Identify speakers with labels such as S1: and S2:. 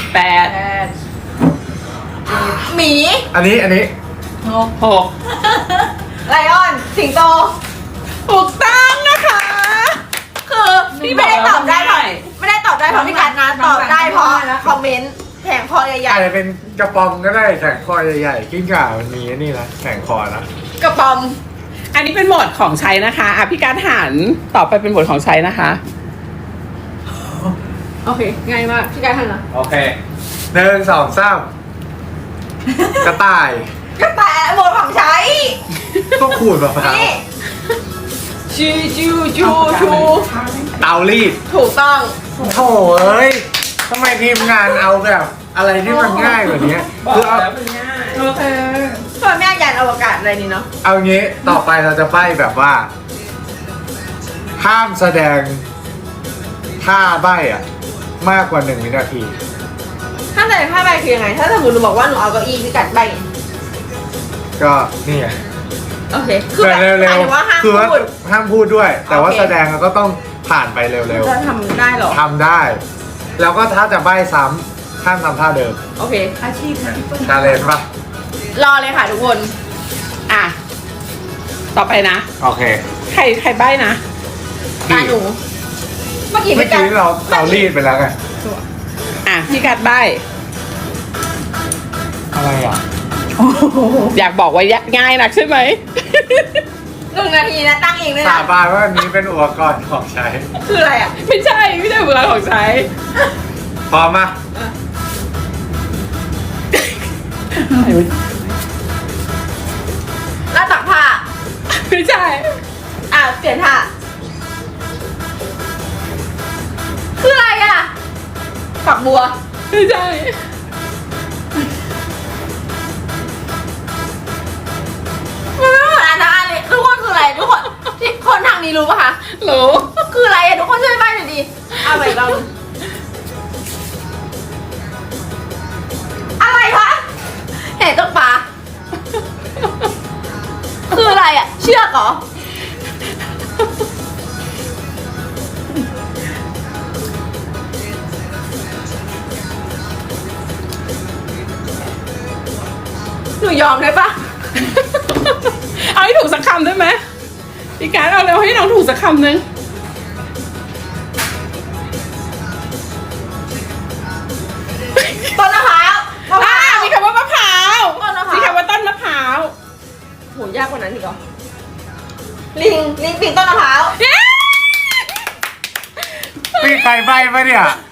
S1: 8
S2: หมี
S3: อันนี้
S1: 6
S2: ไลออนสิงโต
S1: ถูกต้องนะคะ
S2: คือพี่ไม่ได้ตอบได้เพราะไม่ได้ตอบได้เพราะพี่การนะตอบได้เพราะคอมเมนต์แผงคอใหญ่
S3: อาจจะเป็นกระป๋อมก็ได้แข่งคอใหญ่ๆกิ้งก่ามันมีนี่นะแข่งคอนะ
S2: ๆกระป๋อม
S1: อันนี้เป็นโหมดของใช้นะคะอ่ะพี่การหันต่อไปเป็นโหมดของใช้นะคะ
S2: โอเคง่ายมากพี่การทำนะ
S3: โอเค1 2 3กระต่าย
S2: กระแตหมดของใช้
S3: ก็ขูดมะพร้าว
S2: นี่
S1: ชู
S3: เตารีด
S2: ถูกต้อง
S3: โถ่เอ้ยทำไมทีมงานเอาแบบอะไรที่มันง่ายกว่านี้
S1: บอก
S3: คือเอา
S1: แล้วมันง่าย
S2: โอเคทำไมไม่เอายานอวกาศอะไรนี่เนาะ
S3: เอางี้ต่อไปเราจะใบ้แบบว่า ห้ามแสดงท่าใบ้อะมากกว่า1 วินาที
S2: ถ้าแต่ถ้าใบคือยังไง ถ้าสมมติหนูบอกว่าหนูเอาเก้าอี้พี่กัดใบ
S3: ก็นี่ไง
S2: โอเคคือแบบ
S3: เร็ว
S2: หมายถึงว่าห้าม
S3: คือว่า
S2: พูด
S3: ห้ามพูดด้วย แต่ว่า
S2: โอเค
S3: แสดงเราก็ต้องผ่านไปเร็ว
S2: จะทำได้เหรอ
S3: ๆทำได้ แล้วก็ถ้าจะใบ้ซ้ำห้ามทำท่าเดิม
S2: โอเค
S4: อาชีพนะพี่เปิ้ล
S3: ชาเลนจ์ปะ
S2: รอเลยค่ะทุกคน
S1: อ่ะต่อไปนะ
S3: โอเค
S1: ใครใบ้นะ
S2: ตาหนู เมื่อกี้
S3: เมื่อ
S2: พี่กัด
S3: กี้เรารีดไปแล้วไง
S1: อ่ะพี่การใบ้
S3: อะไรอ่ะ
S1: อยากบอกว่าง่ายนักใช่ไหม
S2: 1 นาทีนะตั้งเองด้วย
S3: สา
S2: นะ
S3: บานว่าอันนี้เป็นอุปกรณ์ของใช้
S2: คืออะไรอ่ะ
S1: ไม่ใช่อุปกรณ์ของใช้
S3: พร้อมมา
S2: หน้าตักผ้า
S1: ไม่ใช่
S2: เปลี่ยนท่าคืออะไรอ่ะฝักบัว
S1: ไม่ใช่
S2: มันไม่เหมือนอันนั้นอันนี้ทุกคนคืออะไรทุกคนที่คนทางนี้รู้ปะคะ
S1: รู้
S2: คืออะไรอ่ะทุกคนช่วยใบ้หน่อยดิเอาไปลองอะไรคะเห็นตกปลาคืออะไรอ่ะ เชือกเหรอหนูยอมได้ปะ
S1: เอาให้ถูกสักคำได้ไหมพี่การเอาเร็วให้น้องถูกสักคำหนึ่ง
S2: ต้นมะพร้าวมะพร้าว
S1: มีคำว่ามะพร้าว
S2: ต้นมะพร้าว
S1: มีคำว่าต้นมะพร้าว
S2: โหยากกว่านั้นอีกเหรอลิงปีนต้นมะพร้าว
S1: เย้
S3: มีใครใบ้ปะเนี่ย